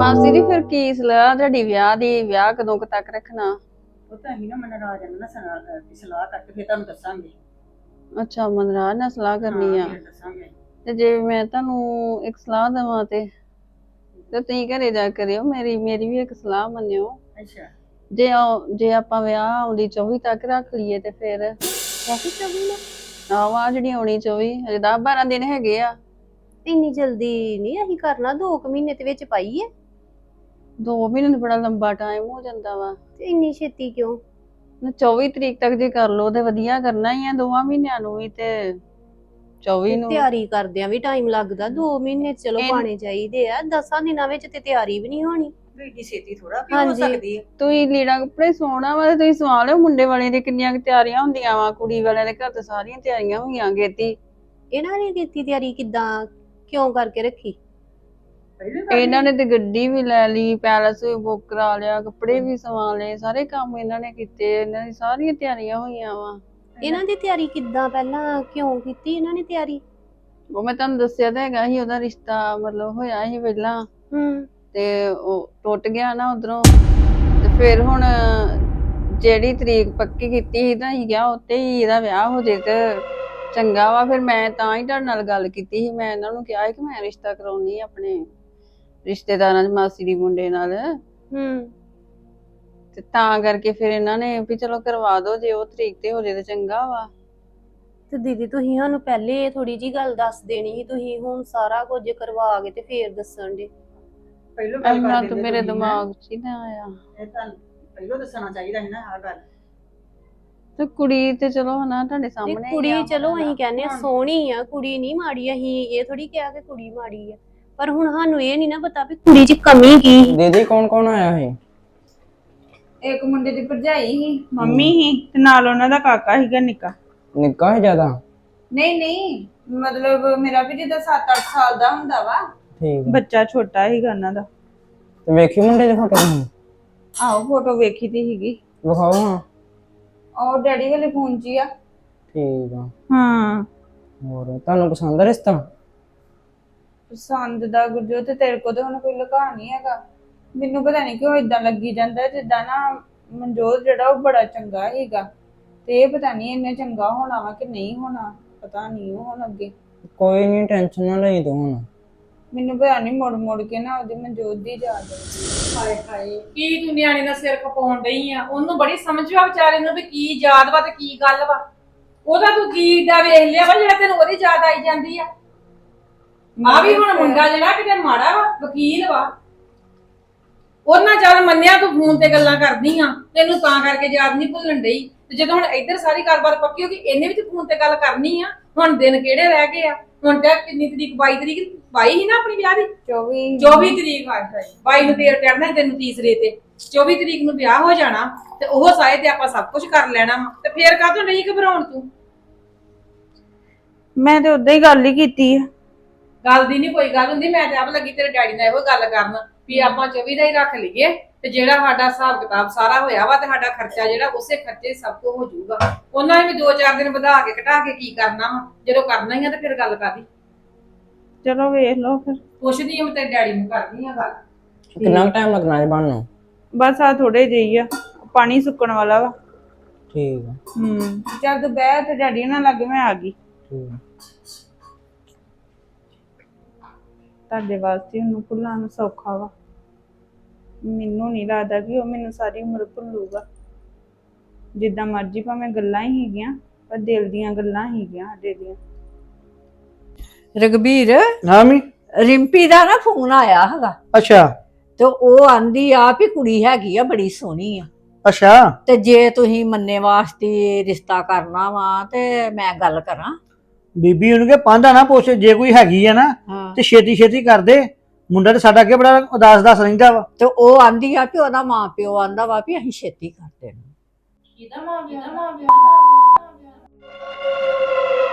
S8: ਮਾਸੀ ਜੀ ਫਿਰ ਕੀ ਸਲਾਹ ਤੁਹਾਡੀ ਵਿਆਹ ਦੀ? ਵਿਆਹ ਕਦੋਂ ਕੁ ਤੱਕ ਰੱਖਣਾ?
S9: ਉਹ ਤਾਂ ਅਸੀਂ ਨਾ ਮਨਰਾਜ ਨਾਲ ਸਲਾਹ ਕਰਕੇ ਫਿਰ ਤੁਹਾਨੂੰ ਦੱਸਾਂਗੇ।
S8: ਅੱਛਾ, ਮਨਰਾਜ ਨਾਲ ਸਲਾਹ ਕਰਨੀ ਆ।
S9: ਫਿਰ ਦੱਸਾਂਗੇ।
S8: ਤੇ ਜੇ ਮੈਂ ਤੁਹਾਨੂੰ ਇੱਕ ਸਲਾਹ ਦੇਵਾਂ ਤੇ ਤੁਸੀਂ ਘਰੇ ਜਾ ਕੇ ਕਰਿਓ, ਮੇਰੀ ਵੀ ਇੱਕ ਸਲਾਹ ਮੰਨਿਓ।
S9: ਅੱਛਾ।
S8: ਜੇ ਆਪਾਂ ਵਿਆਹ ਆਉਂਦੀ 24 ਤੱਕ ਰੱਖ ਲਈਏ ਤੇ ਫਿਰ
S5: ਕਾਫੀ ਚੌਵੀ ਨਾ
S8: ਆਹ ਜਿਹੜੀ ਆਉਣੀ 24 ਹਜੇ 10-12 ਦਿਨ ਹੈਗੇ ਆ।
S5: ਇੰਨੀ ਜਲਦੀ ਨਹੀਂ ਅਸੀਂ ਕਰਨਾ, 2 ਮਹੀਨੇ ਦੇ ਵਿੱਚ ਪਾਈਏ।
S8: 2 ਮਹੀਨੇ ਤਾਂ ਬੜਾ ਲੰਬਾ ਟਾਈਮ ਹੋ ਜਾਂਦਾ ਵਾ।
S5: ਤੇ ਇੰਨੀ ਛੇਤੀ ਕਿਉਂ?
S8: 24 ਤਰੀਕ ਤੱਕ ਜੇ ਕਰ ਲਓ ਤੇ ਵਧੀਆ ਕਰਨਾ ਹੀ ਆ, 2 ਮਹੀਨਿਆਂ ਨੂੰ ਵੀ ਤੇ 24 ਨੂੰ।
S5: ਤਿਆਰੀ ਕਰਦਿਆਂ ਵੀ ਟਾਈਮ ਲੱਗਦਾ, 2 ਮਹੀਨੇ ਚਲੋ ਪਾਣੇ ਚਾਹੀਦੇ ਆ, 10 ਦਿਨਾਂ ਵਿੱਚ ਤੇ ਤਿਆਰੀ ਵੀ ਨਹੀਂ ਹੋਣੀ।
S9: ਏਡੀ ਛੇਤੀ ਥੋੜਾ ਵੀ ਹੋ
S5: ਹਾਂਜੀ।
S9: ਸਕਦੀ ਹੈ।
S8: ਤੁਸੀਂ ਲੀੜਾ ਕੱਪੜੇ ਸੋਣਾ ਵਾ ਤੇ ਤੁਸੀਂ ਸਵਾ ਲਿਓ। ਮੁੰਡੇ ਵਾਲੇ ਦੀ ਕਿੰਨੀਆਂ ਕੁ ਤਿਆਰੀਆਂ ਹੁੰਦੀਆਂ ਵਾ, ਕੁੜੀ ਵਾਲਿਆਂ ਦੇ ਘਰ ਤੇ ਸਾਰੀਆਂ ਤਿਆਰੀਆਂ ਹੋਈਆਂ ਗੇਤੀ।
S5: ਇਹਨਾਂ ਨੇ ਕੀਤੀ ਤਿਆਰੀ ਕਿੱਦਾਂ, ਕਿਉਂ ਕਰਕੇ ਰੱਖੀ?
S8: ਇਹਨਾਂ ਨੇ ਤੇ ਗੱਡੀ ਵੀ ਲੈ ਲਈ, ਪੈਲਸ ਵੀ ਬੁੱਕ ਕਰਾ ਲਿਆ, ਕੱਪੜੇ ਵੀ ਸਵਾ ਲਏ, ਸਾਰੇ ਕੰਮ ਇਹਨਾਂ ਨੇ ਕੀਤੇ। ਇਹਨਾਂ ਦੀ ਸਾਰੀਆਂ ਤਿਆਰੀਆਂ ਹੋਈਆਂ ਵਾ।
S5: ਇਹਨਾਂ ਦੀ ਤਿਆਰੀ ਕਿੱਦਾਂ, ਪਹਿਲਾਂ ਕਿਉਂ ਕੀਤੀ ਇਹਨਾਂ ਨੇ ਤਿਆਰੀ?
S8: ਉਹ ਮੈਂ ਤੁਹਾਨੂੰ ਦੱਸਿਆ ਤਾਂ ਹੈਗਾ ਸੀ, ਉਹਦਾ ਰਿਸ਼ਤਾ ਮਤਲਬ ਹੋਇਆ ਸੀ ਪਹਿਲਾਂ ਤੇ ਉਹ ਟੁੱਟ ਗਿਆ ਨਾ ਉਧਰੋਂ। ਤੇ ਫਿਰ ਹੁਣ ਜਿਹੜੀ ਤਰੀਕ ਪੱਕੀ ਕੀਤੀ ਸੀ ਤਾਂ ਅਸੀਂ ਕਿਹਾ ਉੱਤੇ ਹੀ ਇਹਦਾ ਵਿਆਹ ਹੋ ਜੇ ਤੇ ਚੰਗਾ ਵਾ। ਫਿਰ ਮੈਂ ਤਾਂ ਹੀ ਤੁਹਾਡੇ ਨਾਲ ਗੱਲ ਕੀਤੀ ਸੀ, ਮੈਂ ਇਹਨਾਂ ਨੂੰ ਕਿਹਾ ਸੀ ਕਿ ਮੈਂ ਰਿਸ਼ਤਾ ਕਰਾਉਣੀ ਆਪਣੇ ਰਿਸ਼ਤੇਦਾਰਾਂ ਚ ਮਾਸੀ ਦੀ ਮੁੰਡੇ ਨਾਲ। ਤੇ ਤਾਂ ਕਰਕੇ ਫਿਰ ਇਹਨਾਂ ਨੇ ਵੀ ਚਲੋ ਕਰਵਾ ਦੋ, ਜੇ ਉਹ ਤਰੀਕ ਤੇ ਹੋ ਜੇ ਤੇ ਚੰਗਾ ਵਾ।
S5: ਤੇ ਦੀਦੀ ਤੁਸੀਂ ਸਾਨੂੰ ਪਹਿਲੇ ਥੋੜੀ ਜੀ ਗੱਲ ਦੱਸ ਦੇਣੀ ਸੀ, ਤੁਸੀਂ ਹੁਣ ਸਾਰਾ ਕੁਝ ਕਰਵਾ ਕੇ ਤੇ ਫੇਰ ਦੱਸਣ ਦੇ।
S9: ਪਹਿਲੋਂ ਗੱਲ
S8: ਇੰਨਾ
S9: ਕਰ
S8: ਤਾਂ
S9: ਦਿੰਦੇ
S8: ਮੇਰੇ
S9: ਤੁਸੀਂ
S8: ਦਿਮਾਗ 'ਚ ਹੀ ਨਾ ਆਇਆ।
S9: ਇਹ ਤਾਂ ਪਹਿਲੋਂ ਦੱਸਣਾ ਚਾਹੀਦਾ ਸੀ ਨਾ ਆਹ ਗੱਲ।
S8: ਤੇ ਕੁੜੀ ਤੇ ਚਲੋ ਹਨਾ ਤੁਹਾਡੇ
S5: ਤੇ
S8: ਸਾਹਮਣੇ ਹੀ
S5: ਕੁੜੀ
S8: ਆ।
S5: ਚਲੋ ਅਸੀਂ ਕਹਿੰਦੇ ਆ ਸੋਹਣੀ ਆ, ਕੁੜੀ ਨਹੀਂ ਮਾੜੀ, ਅਸੀਂ ਇਹ ਥੋੜੀ ਕਿਹਾ ਕਿ ਕੁੜੀ ਮਾੜੀ ਆ, ਪਰ ਹੁਣ ਸਾਨੂੰ ਇਹ ਨਹੀਂ ਨਾ ਪਤਾ ਵੀ ਕੁੜੀ 'ਚ ਕਮੀ ਕੀ ਸੀ।
S10: ਦੀਦੀ ਕੌਣ ਕੌਣ ਆਇਆ ਹੈ?
S3: ਇੱਕ ਮੁੰਡੇ ਦੀ ਭਰਜਾਈ ਸੀ, ਮੰਮੀ ਸੀ ਤੇ ਨਾਲ ਉਹਨਾਂ ਦਾ ਕਾਕਾ ਸੀਗਾ ਨਿੱਕਾ।
S10: ਨਿੱਕਾ ਹੈ ਜ਼ਿਆਦਾ?
S3: ਨਹੀਂ ਮਤਲਬ ਮੇਰਾ ਵੀ ਜਿੱਦਾਂ 7-8 ਸਾਲ ਦਾ ਹੁੰਦਾ ਵਾ,
S10: ਠੀਕ ਹੈ।
S3: ਬੱਚਾ ਛੋਟਾ ਸੀਗਾ ਉਹਨਾਂ ਦਾ।
S10: ਤੇ ਵੇਖੀ ਮੁੰਡੇ ਦੀ ਫੋਟੋ ਤੁਸੀਂ?
S3: ਆਹੋ ਫੋਟੋ ਵੇਖੀ ਤੀ ਸੀਗੀ,
S10: ਵਿਖਾਓ ਹਾਂ।
S3: ਉਹ ਡੈਡੀ ਵਾਲੇ ਫੋਨ 'ਚ ਹੀ ਆ।
S10: ਠੀਕ ਆ।
S3: ਹਾਂ
S10: ਹੋਰ ਤੁਹਾਨੂੰ ਪਸੰਦ ਆ ਰਿਸ਼ਤਾ?
S3: ਪਸੰਦ ਦਾ ਗੁਰਜੋ ਤੇ ਤੇਰੇ ਕੋਲ ਤੇ ਹੁਣ ਕੋਈ ਲੁਕਾ ਨਹੀਂ ਹੈਗਾ। ਮੈਨੂੰ ਪਤਾ ਨਹੀਂ ਕਿਉਂ ਇਦਾਂ ਲੱਗੀ ਜਾਂਦਾ ਜਿੱਦਾਂ ਨਾ ਮਨਜੋਤ ਜਿਹੜਾ ਉਹ ਬੜਾ ਚੰਗਾ ਹੈਗਾ, ਤੇ ਇਹ ਪਤਾ ਨਹੀਂ ਇੰਨੇ ਚੰਗਾ ਹੋਣਾ ਵਾ ਕਿ ਨਹੀਂ ਹੋਣਾ, ਪਤਾ ਨਹੀਂ ਉਹ ਹੁਣ ਅੱਗੇ।
S10: ਕੋਈ ਨਹੀਂ, ਟੈਨਸ਼ਨ ਨਾ ਲਈ ਤੂੰ ਹੁਣ।
S3: ਮੈਨੂੰ ਪਤਾ ਨਹੀਂ ਮੁੜ ਕੇ ਨਾ ਉਹਦੀ ਮਨਜੋਤ ਦੀ ਯਾਦ ਆਉਂਦੀ।
S1: ਹਾਏ ਹਾਏ, ਕੀ ਤੂੰ ਨਿਆਣੇ ਦਾ ਸਿਰ ਖਪਾਉਣ ਡਈ ਆ? ਉਹਨੂੰ ਬੜੀ ਸਮਝ ਆ ਵਿਚਾਰੇ ਨੂੰ ਵੀ ਕੀ ਯਾਦ ਵਾ ਤੇ ਕੀ ਗੱਲ ਵਾ। ਉਹਦਾ ਤੂੰ ਕੀ ਦਾ ਵੇਖ ਲਿਆ ਵਾ ਜਿਹੜਾ ਤੈਨੂੰ ਉਹਦੀ ਯਾਦ ਆਈ ਜਾਂਦੀ ਆ? ਆ ਵੀ ਹੁਣ ਮੁੰਡਾ ਜਿਹੜਾ ਕਿਤੇ ਮਾੜਾ ਵਾ, ਵਕੀਲ ਵਾ, ਉਹਨਾਂ ਚੱਲ ਮੰਨਿਆ ਤੂੰ ਫੋਨ ਤੇ ਗੱਲਾਂ ਕਰਦੀ ਆ, ਤੈਨੂੰ ਤਾਂ ਕਰਕੇ ਯਾਦ ਨਹੀਂ ਭੁੱਲਣ ਡਈ। ਤੇ ਜਦੋਂ ਹੁਣ ਇੱਧਰ ਸਾਰੀ ਗੱਲਬਾਤ ਪੱਕੀ ਹੋ ਗਈ, ਇਹਨੇ ਵੀ ਤੇ ਫੋਨ ਤੇ ਗੱਲ ਕਰਨੀ ਆ। ਹੁਣ ਦਿਨ ਕਿਹੜੇ ਰਹਿ ਗਏ ਆ? ਹੁਣ ਤੇ ਕਿੰਨੀ ਤਰੀਕ? 22 ਤਰੀਕ 22 ਸੀ ਨਾ ਆਪਣੀ ਵਿਆਹ ਦੀ? 24 ਤਰੀਕ ਆ। 22 ਨੂੰ ਦੇਰ ਚੜਨਾ ਤੈਨੂੰ ਤੀਸਰੇ ਤੇ, 24 ਤਰੀਕ ਨੂੰ ਵਿਆਹ ਹੋ ਜਾਣਾ ਤੇ ਉਹ ਸਾਏ ਤੇ ਆਪਾਂ ਸਭ ਕੁਝ ਕਰ ਲੈਣਾ ਵਾ। ਤੇ ਫੇਰ ਕਾਹਤੋਂ ਨਹੀਂ ਘਬਰਾਉਣ ਤੂੰ?
S3: ਮੈਂ ਤੇ ਉਦਾਂ ਹੀ ਗੱਲ ਹੀ ਕੀਤੀ ਆ।
S1: ਗੱਲ ਦੀ ਨਹੀਂ ਕੋਈ ਗੱਲ ਹੁੰਦੀ। ਮੈਂ ਤੇ ਆਪ ਲੱਗੀ ਤੇਰੇ ਡੈਡੀ ਨਾਲ ਇਹੋ ਗੱਲ ਕਰਨ ਵੀ ਆਪਾਂ 24 ਦਾ ਹੀ ਰੱਖ ਲਈਏ ਤੇ ਜਿਹੜਾ ਸਾਡਾ ਹਿਸਾਬ ਕਿਤਾਬ ਸਾਰਾ ਹੋਇਆ ਵਾ ਤੇ ਸਾਡਾ ਖਰਚਾ ਜਿਹੜਾ ਉਸੇ ਖਰਚੇ ਸਭ ਕੁਝ ਹੋ ਜਾਊਗਾ। ਉਹਨਾਂ ਨੇ ਵੀ 2-4 ਦਿਨ ਵਧਾ ਕੇ ਘਟਾ ਕੇ ਕੀ ਕਰਨਾ ਵਾ? ਜਦੋਂ ਕਰਨਾ ਹੀ ਆ ਤੇ ਫਿਰ ਗੱਲ ਕਰਦੀ।
S3: ਚਲੋ ਵੇਖ ਲਓ ਫਿਰ।
S1: ਪੁੱਛਦੀ ਆ ਮੈਂ ਤੇਰੇ ਡੈਡੀ ਨੂੰ, ਕਰਦੀ ਆ ਗੱਲ।
S10: ਕਿੰਨਾ ਟਾਈਮ ਲੱਗਣਾ ਹੈ ਬਣਨ ਨੂੰ?
S3: ਬਸ ਆ ਥੋੜੇ ਜਿਹੀ ਆ, ਪਾਣੀ ਸੁੱਕਣ ਵਾਲਾ ਵਾ।
S10: ਠੀਕ ਆ।
S3: ਚੱਲ ਤੂੰ ਬਹਿ ਤੇ ਡੈਡੀ ਨਾਲ ਲੱਗ, ਮੈਂ ਆ ਗਈ।
S10: ਠੀਕ ਆ।
S3: ਤੁਹਾਡੇ ਵਾਸਤੇ ਉਹਨੂੰ ਭੁੱਲਣਾ ਸੌਖਾ ਵਾ, ਮੈਨੂੰ ਨਹੀਂ ਲੱਗਦਾ ਕਿ ਉਹ ਮੈਨੂੰ ਸਾਰੀ ਉਮਰ ਭੁੱਲੂਗਾ। ਜਿੱਦਾਂ ਮਰਜ਼ੀ ਭਾਵੇਂ ਗੱਲਾਂ ਹੀ ਹੈਗੀਆਂ, ਪਰ ਦਿਲ ਦੀਆਂ ਗੱਲਾਂ ਹੈਗੀਆਂ ਸਾਡੇ ਦੀਆਂ।
S4: ਰਘਬੀਰ,
S11: ਹਾਂ ਮੀ।
S4: ਰਿੰਪੀ ਦਾ ਨਾ ਫੋਨ ਆਇਆ ਹੈਗਾ
S11: ਅੱਛਾ
S4: ਤੇ ਉਹ ਆਂਦੀ ਆ ਵੀ ਕੁੜੀ ਹੈਗੀ ਆ ਬੜੀ ਸੋਹਣੀ ਆ,
S11: ਅੱਛਾ।
S4: ਤੇ ਜੇ ਤੁਸੀਂ ਮੰਨੇ ਵਾਸਤੇ ਰਿਸ਼ਤਾ ਕਰਨਾ ਵਾ ਤੇ ਮੈਂ ਗੱਲ ਕਰਾਂ।
S11: ਬੀਬੀ ਉਹਨੂੰ ਕਿ ਪਾਂਦਾ ਨਾ ਪੁੱਛ, ਜੇ ਕੋਈ ਹੈਗੀ ਆ ਨਾ ਤੇ ਛੇਤੀ ਛੇਤੀ ਕਰ ਦੇ। ਮੁੰਡਾ ਤੇ ਸਾਡਾ ਅੱਗੇ ਬੜਾ ਉਦਾਸ ਰਹਿੰਦਾ ਵਾ।
S4: ਤੇ ਉਹ ਆਂਦੀ ਆ ਕਿ ਉਹਦਾ ਮਾਂ ਪਿਓ ਆਂਦਾ ਵਾ ਵੀ ਅਸੀਂ ਛੇਤੀ ਕਰ ਦੇਣਾ।
S1: ਕਿਹਦਾ ਮਾਂ ਪਿਓ?